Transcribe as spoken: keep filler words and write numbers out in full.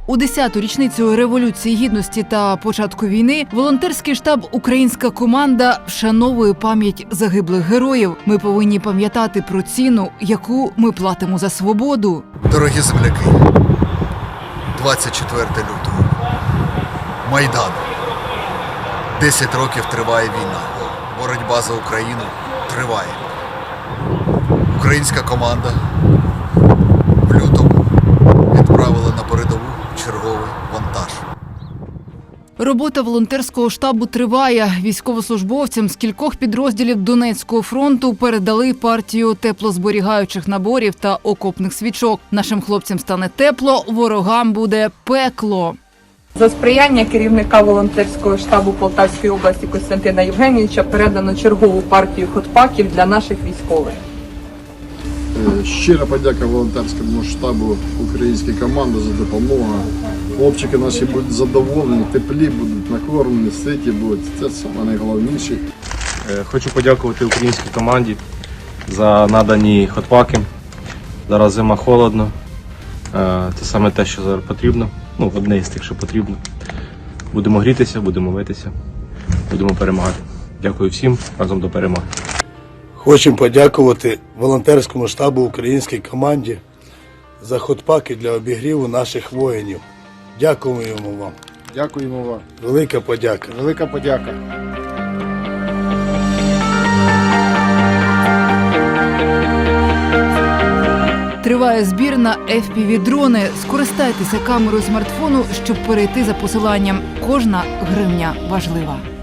У десяту річницю Революції Гідності та початку війни волонтерський штаб «Українська команда» вшановує пам'ять загиблих героїв. Ми повинні пам'ятати про ціну, яку ми платимо за свободу. Дорогі земляки, двадцять четверте лютого. Майдан. Десять років триває війна. Боротьба за Україну триває. Українська команда в лютому відправила на передову черговий вантаж. Робота волонтерського штабу триває. Військовослужбовцям з кількох підрозділів Донецького фронту передали партію теплозберігаючих наборів та окопних свічок. Нашим хлопцям стане тепло, ворогам буде пекло. За сприяння керівника волонтерського штабу Полтавської області Костянтина Євгенійовича передано чергову партію хот-паків для наших військових. Щира подяка волонтерському штабу «Української команди» за допомогу. Хлопчики наші будуть задоволені, теплі будуть, накормлені, ситі будуть. Це саме найголовніше. Хочу подякувати українській команді за надані хот-паки. Зараз зима, холодно. Це саме те, що зараз потрібно. Ну, одне із тих, що потрібно. Будемо грітися, будемо митися, будемо перемагати. Дякую всім, разом до перемоги. Хочемо подякувати волонтерському штабу «Українській команді» за хот-паки для обігріву наших воїнів. Дякуємо вам. Дякуємо вам. Велика подяка. Велика подяка. Триває збір на еф пі ві-дрони. Скористайтеся камерою смартфону, щоб перейти за посиланням. Кожна гривня важлива.